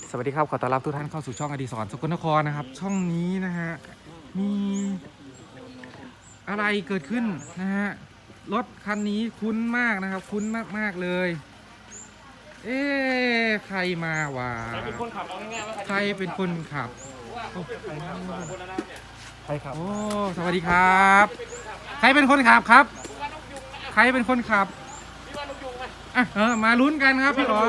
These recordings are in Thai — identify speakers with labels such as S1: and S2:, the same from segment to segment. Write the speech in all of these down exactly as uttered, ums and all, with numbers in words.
S1: สวัสดีครับขอต้อนรับทุกท่านเข้าสู่ช่องอดิศรสกลนครนะครับช่องนี้นะฮะมีอะไรเกิดขึ้นนะฮะรถคันนี้คุ้นมากนะครับคุ้นมากๆเลยเอ๊ะใครมาวะใครเป็นคนขับเอาง่ายๆว่าใครเป็นคนขับใครขับโอ้สวัสดีครับใครเป็นคนขับครับใครเป็นคนขับอ่ะเออมาลุ้นกันครับพี่อ๋อ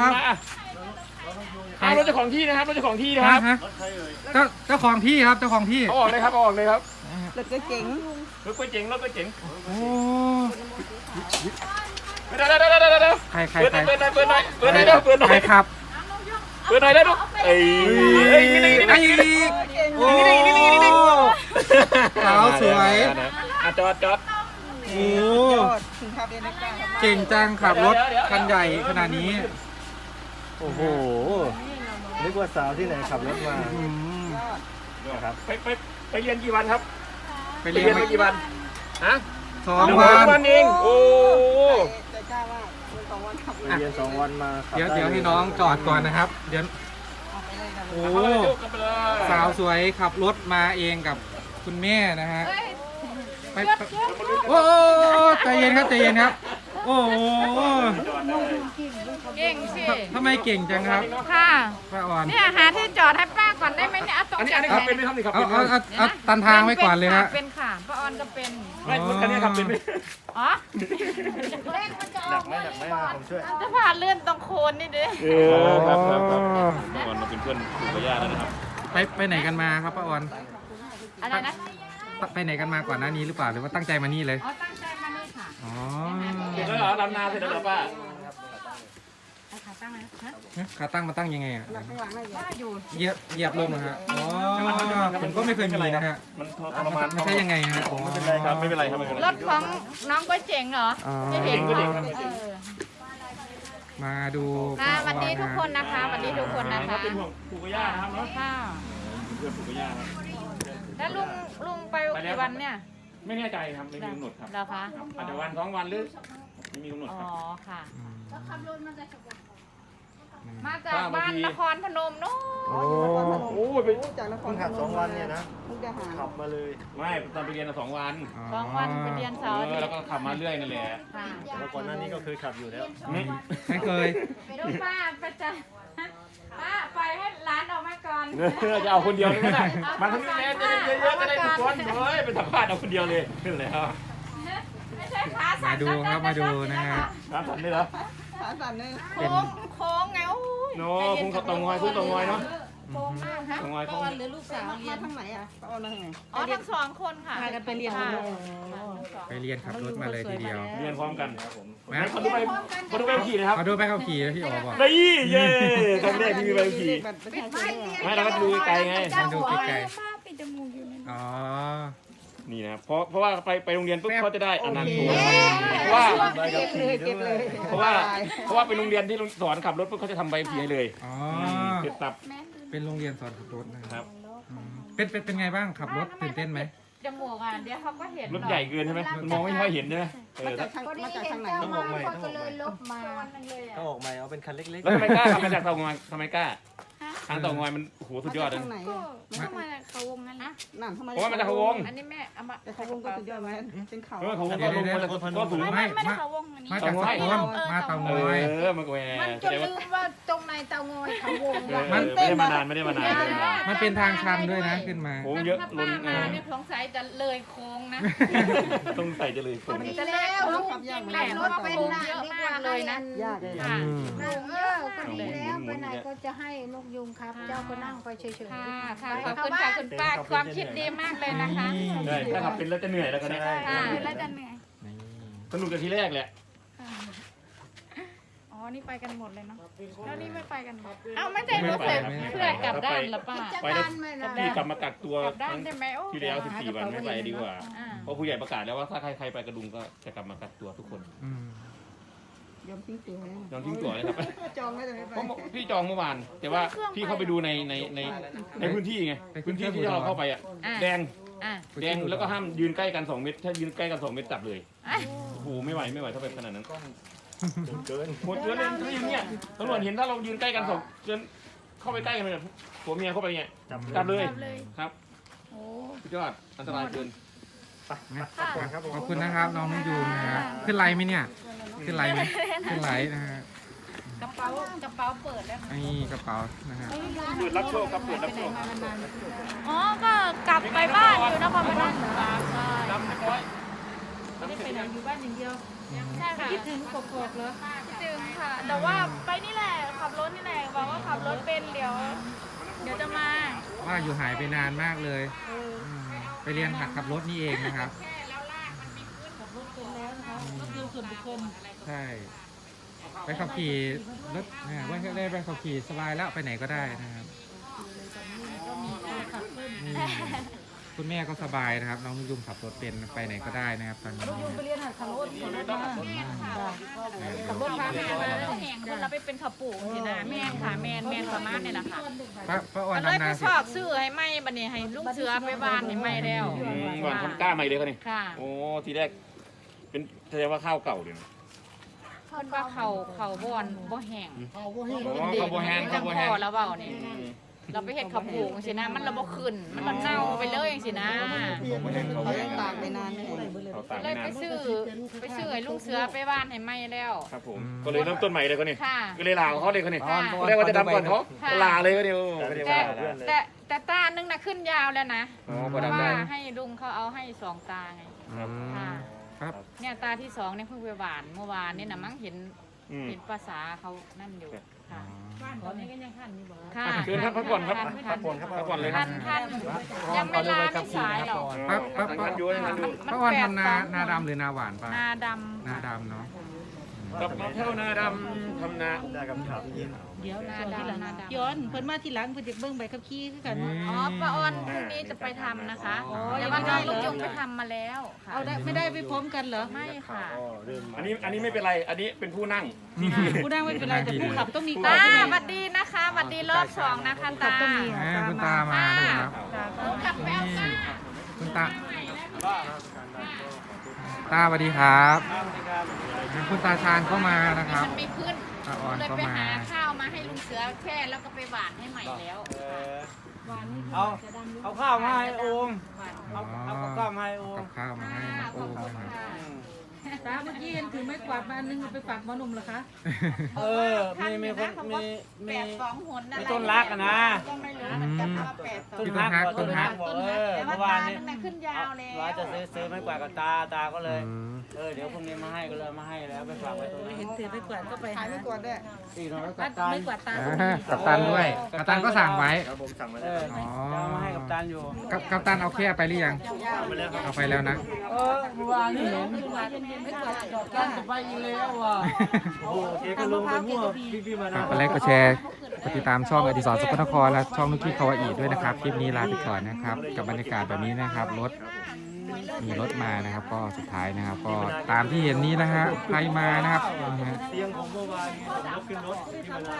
S2: รถเจ้าของที่นะครับรถเจ้าของที่นะครับ
S1: เจ้าเจ้าของที่ครับเจ้าของที่
S2: เอาออกเลยครับเอาออกเลยครับ
S3: รถก็เจ๋ง
S2: รถก็เจ๋งรถก็เจ๋ง
S1: โอ้
S2: เดี๋ยวเดี๋ยวเดี๋ยวเดี๋ยว
S1: ใครใคร
S2: เปิด
S1: ใคร
S2: เปิดหน่อยเปิดหน่อยเปิดหน่อยเดี๋ยวเปิดหน่อย
S1: ใครครับ
S2: เปิดหน่อยได้ดูเอ้ยเอ้ยนี่นี่นี่
S1: ไอ้
S2: นี่
S1: โอ้สาวสวย
S2: อ่ะจอดจอด
S1: โอ้
S3: ถึงขับเองได้กล้า
S1: เก่งจังขับรถคันใหญ่ขนาดนี้
S4: โอ้โห นึกว่าสาวที่ไหนขับรถมา
S1: อืม
S4: นะครับ
S2: ไปไปไปเรียนกี่วันครับ
S1: ไป
S2: ไป
S1: เรีย
S2: เรีย
S1: น
S2: น
S1: มา
S2: มากี่วันฮะ
S1: สอง
S2: หนึ่ง
S1: วั
S2: วัน
S1: น
S2: เองโอ้
S3: ใจกล้าว่าคนสองวันขับ
S4: ไปเรียนสองวันมาขับ
S1: เดี๋ยวเดี๋ยวให้น้องจอดก่อนนะครับ เดี๋ยวโอ้
S2: เอาเลยลูกกันไปเลย
S1: สาวสวยขับรถมาเองกับคุณแม่นะฮะไปไปโอ้ใจเย็นครับใจเย็นครับ โอ้โห
S5: เก่งสิ
S1: ทำไมเก่งจังครับ
S5: ค่ะ
S1: ป้าอ่อน
S5: เนี่ยหาที่จอดให้ป้าก่อนได้ไหมเนี่ยเอาตรง
S2: อันนี้อันนี้ขับเป็นไหมครับนี่ขับ
S1: เอา
S2: เป็นไหม
S1: เอาเอาเอาตันทางไว้ก่อนเลยฮะ
S5: เป็นค่ะป้าออนก็เป็น
S2: ไม่รถคันนี้ขับเป็นไหม
S5: อ๋อ
S4: หนักไหมหนักไหมมาผมช่วย
S5: จะผ่านเลื่อนตรงโคนนี่ดิ
S2: เออครับครับครับก่อนมาเป็นเพื่อนปู่กับย่าแล้วนะครับ
S1: ไปไปไหนกันมาครับป้าออน
S5: อะไรนะ
S1: ไปไหนกันมาก่อนหน้านี้หรือเปล่าหรือว่าตั้งใจมานี่เลย
S5: อ๋อตั้งใจมานี่ค่ะ
S1: อ๋อ
S2: เสร็จแล้วเหรอลำนาเสร็จแล้วเหรอป้า
S5: เอาขาตั้งเลยฮะ
S1: ขาตั้งมาตั้งยังไงอ่ะ
S3: ข้างหลังไม่
S5: ป้าอยู่
S1: เหยียบเหยียบลงนะฮะอ๋อผมก็ไม่เคยมีนะฮะ
S2: มันทรมาน
S1: ไม่ใช่ยังไงฮะ
S4: ไม่เป็นไรครับ
S2: ไม่เป็นไรครับไม่เป็นไร
S5: รถของน้องก็เจ๋งเหรอ
S1: อ๋อ
S5: จะเห็น
S2: ก็เจ๋ง
S5: ค่ะ
S2: ก็เจ๋ง
S5: เออ
S1: มาดู
S5: ค่ะสวัสดีทุกคนนะคะสวัสดีทุกคนนะคะ
S2: เป็นห่วงปู่กับย่านะครับเนาะ
S5: ค่ะ
S2: เพื่อนปู่กับย่าครับ
S5: แล้วลุงลุงไปกี่วันเนี่ย
S2: ไม่แน่ใจครับไม่มีกำหนดครับ
S5: เหรอคะ
S2: อาจจะวันสองวันหรือไม่มีกำหนด
S5: อ๋
S2: ค
S5: อ
S2: รับ
S5: ค่ะ
S1: อืม
S5: มาจากบ้านนครพนมนู้น
S4: โอ้
S2: โอ้ยไป
S3: จากนคร
S4: เพิ่งขับสองวันเนี่ยนะ
S3: มุกดาหาร
S4: ขับมาเลย
S2: ไม่ตอนไปเรียนสองวัน
S5: สองวันไปเรียนเสาร์อา
S2: เอ
S5: ทิ
S2: อ
S5: ต
S2: แล้ว
S5: ย์
S2: ก็ขับมาเรื่อยนั่นแหละ
S5: ค่ะ
S4: แล้วก่อนหน้านี้ก็เคยขับอยู่แล้ว
S1: ไม่เคย
S5: ดูป้าไปจะป้าปล่อยให้ร้านออกมาก่อน
S2: จะเอาคนเดียวเลยก็ได้มาทั้งนี้แล้วจะได้เยอะๆจะได้ทุกคนเฮ้ยเป็นสัมภาษณ์เอาคนเดียวเลยขึ้นเลยครับ
S5: ไม่ใช่ขาสั่
S1: มาน ดูครับมาดูนะฮะ
S2: ครับสันได้เหรอ
S3: ขาสั่นเลย
S5: โค้งโค้งไงโอ้ย
S2: โน้พุ่งเขาตรงงอยพุ่งตรงงอยเนาะ
S5: โค้งมากฮะ
S2: ตรงงอย
S5: ป้า
S2: พุ่ง
S5: ออนหรือลูกสาว
S3: มา
S5: เรียน
S3: ทางไหนอ่ะป้าออนมาทางไหน
S5: อ๋อทั้งสองคนค่ะ
S3: พากันไปเรียน
S5: ค่ะ
S1: ไปเรียนขับรถมาเลยทีเดียว
S2: เรียนพร้อมกัน
S1: มา
S2: เขาดูไปเขาดูไปขี่นะครับ
S1: มาดูไปขับขี่แล้วพี่อ๋อบอก
S2: นี่เย้ครั้งแรกที่มีใบขับขี่
S3: บัตรประชาชน
S2: ไม่เราก็ดูไกลไง
S1: มาดูไกล
S5: ป้าปิดจมูกอยู่นั่น
S1: ๆอ๋อ
S2: นี่นะครับเพราะเพราะว่าไปไปโรงเรียนปุ๊บเขาจะได้อนันต์โชว์
S3: โอ
S2: เพราะว่า
S3: เก็บเลยเก็บเลย
S2: เพราะว่าเพราะว่าเป็นโรงเรียนที่สอนขับรถปุ๊บเขาจะทำใบขับขี่ให้เลย
S1: อ๋อ
S2: เสร็จสับ
S1: เป็นโรงเรียนสอนขับรถนะค
S2: ค
S1: รั
S2: รั
S1: บบ อืมเป็นเป็นเป็นไงบ้างขับรถตื่นเต้นไหม
S5: จมูกอ่ะเดี๋ยวเขาก็เห็น
S2: รถใหญ่เกินใช่ไหมมันมองไม่ค่อยเห็นใช่ไหมเอ
S3: มา
S2: อ
S3: จา
S2: แล้ว
S3: กทางมาจากทางไหน
S4: ต้องออกใหม่ต้องออกใหม่
S5: ลบมาเลย
S4: ต้องออกใหม่เอาเป็นคันเล็ก
S2: แล้วทำไมกล้าทำมาจากเตางอยทำไมกล้าทางเตางอยมันโหสุดยอดเลย
S3: ทางไหน
S5: ก็เข้ามาเขาวงนั้นนะ
S3: นั่นทำไม
S2: เพราะว่ามันจะเขาวง
S5: อันนี้แม่เอามา
S3: แต่เขาวงก็สุดยอดไหมเป็นเขา
S2: เออเขาวงก็ลงมาจากก็สูง
S5: ไม่
S2: ไม่
S5: ไม่ได้เขาวงอันนี้
S1: มาจากสกลมาเตาง
S2: เอ
S1: อย
S2: อมันก็แหว
S5: มัน
S2: แส
S5: จะ
S2: ดงว่า
S5: ลืมว่าตรงในเตางอยเขาวง
S2: เออไม่ได้มานานไม่ได้มานานไม่ได้มานาน
S1: มันเป็นทางชันด้วยนะขึ้นมา
S2: โค้งเยอะ
S5: ถ้า
S2: ล้
S5: ป้าน มาเนี่ยสงสัยจะเลยโค้งนะ
S2: ต้องใส่จะเลยคน
S5: จะเลยโค้งจริงแหละเพราะว่าโค้งเยอะมากเลยนะ
S3: ยากเลย
S5: ค่ะ
S1: อืม
S6: เออก็ดีแล้วไปไหนก็จะให้นกยุงครับ เจ้าก็นั่งไปเฉย
S5: ค่ะค่ะขอบคุณค่ะคุณป้าความคิดดีมากเลยนะคะ
S2: ใช่ถ้าขับเป็นแล้วจะเหนื่อยแล้วก็ได้
S5: ค่ะแล้วจะเหนื่อย
S1: นี่
S2: สนุกจากทีแรกแหละ
S5: อ๋อนี่ไปกันหมดเลยเนาะแล้วนี่ไม่ไปกันหมดเอ้าไม่ใช่รู้สึกเพื่อกลับด้านเหรอป้า
S2: ไปแล้วพี่กลับมากักตัว
S5: กลับด้านได้ไหมโอ้
S2: ที่แล้วสิบสี่วันไม่ไปดีกว่า
S5: อ่า
S2: เพราะผู้ใหญ่ประกาศแล้วว่าถ้าใครใครไปกระดุมก็จะกลับมากักตัวทุกคน
S1: อืม
S3: ยอมทิ้งตัวเลย
S2: ยอมทิ้งตัวเลยครับ
S3: จองไว้แต่ไม่ไป
S2: เพราะพี่จองเมื่อวาน แต่ว่าพี่เข้าไปดูในในในในพื้นที่ไงพื้นที่ที่เราเข้าไปอ่ะแดง
S5: อ่ะ
S2: แดงแล้วก็ห้ามยืนใกล้กันสองเมตรถ้ายืนใกล้กันสองเมตรจับเลย
S5: อ่ะ
S2: โอ้โหไม่ไหวไม่ไหวถ้าเป็นขนาดนั้น
S4: ๆเกิน
S2: หมดเกินเลยถ้าอย่างเงี้ยตำรวจเห็นถ้าเรายืนใกล้กันสองจนเข้าไปใกล้กันเลยผัวเมียเข้าไปไง
S4: จับ
S2: จับเลย
S5: จับเลย
S2: ครับ
S5: โอ้
S2: สุดยอดอันตรายเกิน
S4: ครับผม
S1: ขอบคุณนะครับน้องนุ่งยูงนะครับขึ้นไลน์ไหมเนี่ยขึ้นไลน์ไหมขึ้นไลน์นะฮะ
S5: กระเป๋ากระเป๋าเปิดแล้วค่ะ
S1: นี่กระเป๋านะฮะ
S2: เปิดรับโชคครับเปิดรับโชค
S5: อ๋อก็กลับไปบ้านอยู่นครพนมใช่
S2: ดำเรียบร้อย
S3: ไม่ได้ไปไหนอยู่บ้านอย่างเดียว
S5: ใช่ค่ะ
S3: คิดถึงกบๆเหรอ
S5: คิดถึงค่ะ แต่ว่าไปนี่แหละขับรถนี่แหละบอกว่าขับรถเป็นเดี๋ยว เดี๋ยวจะมา
S1: ว่าอยู่หายไปนานมากเลยมไปเรียนหัดขับรถนี่เองนะครับ
S3: ก็คือส่วนบุคคล
S1: ใช่ ไปขับขี่รถเนี่ยว่าได้ไปขับขี่สบายแล้วไปไหนก็ได้นะครับนี่คุณแม่ก็สบายนะครับ น้องนุ่งยูงขับรถเป็นไปไหนก็ได้นะครับตอนนี้
S3: ลุงไปเรียนหัดขับรถขับรถมา
S5: ขับรถพาแม่มาแห่งคนเราไปเป็นขับปู่สินะแม่นค่ะแม่นแม่นประมาณนี่แหละค่ะ
S1: ป้าป้าอ่อน
S5: ก็เลย
S1: ดำ
S5: ไป
S1: นา
S5: ส
S1: สิ
S5: อบซื้อให้ไหมบัดนี้ให้ลุงเสือไปบ้านให้ไหมแล้ว
S2: อืมก่อนคนกล้าใหม่เลยเขานี่
S5: ค่ะ
S2: โอ้ทีแรกเป็นแสดงว่าข้าวเก่าเลยนะ
S5: เพิ่นว่าเขาเขาบ่อนบ่แห้ง
S2: อ๋อข้าวโบแฮนข้าวโบแฮน
S5: พอแล้วเปล่านี่เราไปเฮ็ดขับปู่สินะมันระบ่ขึ้นมันระเน่าไปเลยจังสินะ
S2: ข้าวโบแฮนข้าวโบ
S3: เขา
S2: แฮ
S3: ยัง
S2: น
S3: ตากไปนานเลย
S2: เขาตาก
S5: เลย
S2: นา
S5: ไป
S2: น
S5: ซื้อไปซื้อให้ลุงเสือไปบ้านให้ไหมแล้ว
S2: ครับผมก็เลยเริ่มต้นใหม่เลยเขานี่
S5: ค่ะ
S2: ก็เลยลาของเขาเลยเขานี่
S5: ค่ะ
S2: เขาเรียกว่าจะดำก่อนเขา
S5: ค่ะ
S2: ลาเลยเขานี่โอ้ไม่ได้
S5: แต่
S2: ว่า
S4: เพื่อนเลย
S5: แต่แต่ตานึงน่ะขึ้นยาวแล้วนะ
S2: อ๋อ
S5: เพ
S2: พอ
S5: ราะ
S2: ดำได้
S5: ว่าให้ลุงเขาเอาให้สองตาไง
S1: อืม
S5: ค่ะ
S1: ครับ
S5: เนี่ยตาที่สองเนี่ยเพิ่งไปหวานเมื่อวานนี่นะมั้งเห็น
S2: อืม
S5: เห็นภาษาเขานั่นอยู่ค่ะ
S3: บ้านตอนนี้ก็ยังขันอยู่บ่
S5: ค่ะ
S2: เชิญครับพักผ่อนครับ
S5: ท่าน
S4: พักผ่อนครับ
S2: พักผ่อนเลยค
S5: ท่า
S2: รับ
S5: นท่านยังไม่ลาไม่สายหรอก
S1: ปั๊บปั๊บ
S2: ทำ
S1: ปั๊
S2: งาน
S1: บ
S2: อยู่ทำงานอยู่
S1: ป้าอ่อนทำนานาดำหรือนาหวานป้า
S5: นาด
S1: นาดำเนาะ
S2: กลับมาเที่ยวนาดำทำนา
S4: ได้คำถามยิน
S3: เดี๋ยว
S5: ำนา
S3: ส่วนที่หลัง
S5: ดำนาดำ
S3: ย้อนเพิ่นมาทีหลังเพิ่นจะเบิ่งใบขับขี่คือกัน
S5: อ๋อป้าออนพรุ่งนี้จะไปทำนะคะแต่ว่าน้องลูกจุงไปทำมาแล้วค่ะ
S3: เอาได้ไม่ได้ไปพร้อมกันเหรอ
S5: ไม่ค่ะ
S4: เริ่ม
S2: อันนี้อันนี้ไม่เป็นไร อันนี้เป็นผู้นั่ง
S3: ผู้นั่งไม่เป็นไรแต่ผู้ขับต้องมี
S5: ตา
S3: ใช่ไหม
S5: สวัสดีนะคะสวัสดีรอบสองนะคะตา
S3: ต้องมี
S1: แหมคุณตามาด้วยครับ
S5: หนูกลับไปเอาตา
S1: คุณตา ตาสวัสดีครับคุณตาชาญก็มานะครับ
S5: มันไม่ขึ้น
S1: ตาอ่อน
S5: เลย
S1: ก็
S5: ไป
S1: มา
S5: หาข้าวมาให้ลุงเสือแค่แล้วก็ไปหวานให้ใหม่แล้ว
S7: เอาเอาข้าวมาให้โอม
S1: อ๋
S7: เอา
S1: อ
S7: เอาข้าวมาให้โอม
S1: กับข้าวมาให้น้องโอมนะครับ
S3: ตาเมื่อกี้เห็นถือไม้กวาดมาอันนึงเอาไปฝากหมอหนุ่มเหรอคะ
S7: เออ มีมีคนมีมี
S5: แปดสองหนอะไร
S7: มีต้นรักอะนะ
S5: ก็ไม่รู้เหมือนกันว่าแปดสอง
S7: ต้น
S1: ที่
S7: ฮัก
S1: ฮัก
S7: บอกต้นฮักบอกเออ
S5: แต่ว่า
S7: เมื่อวา
S5: ตาน
S7: นี้
S5: ตั้งแต่ขึ้นยาวแล้ว
S7: ว่าจะซื้อซื้อไม้กวาดกับตาตาก็เลย
S1: อืม
S7: เออเดี๋ยวพรุ่งนี้มาให้ก็เลยเอามาให้แล้วไปฝากไว้ตรงนี้
S3: เห็นถือไม้กวาดก็ไปขายหาไม้กวาดด้วย
S7: อีกหน่อยก็
S3: บ้า
S7: กัน บตัน
S3: ไม้กวาดตา
S1: อ่ากัปตันด้วยกัปตันก็สั่งไว้
S4: ครับผมสั่งมา
S7: เอ
S4: แล้ว
S7: อจะเอามาให้กับตันอยู่
S1: กับกัปตันเอาแค่ไปหรือยัง เอาไปแล้วนะ
S7: เออเมื่อวานนี้เห็น
S3: ไม้กวาดไม้กวาดดอก
S7: ตั
S3: ก้าน
S7: จะไปอีกแล้วว่ะโอ้โหเจ๊ก็ลงไปมั่วพี่พี่มา
S1: ฝา
S7: นะ
S1: กกดไลค์กดแชร์กดติดตามช่องอดิศรสกลนครและช่องนุกกี้คาวาอีด้วยนะครับ คลิปนี้ลาไปก่อนนะครับ กับบรรยากาศแบบนี้นะครับ รถมีรถมานะครับ ก็สุดท้ายนะครับ ก็ตามที่เห็นนี้นะฮะใครมานะครับนะฮะ
S4: เตียงผมเมื่อวานผมก็ขึ้นรถพี่มานา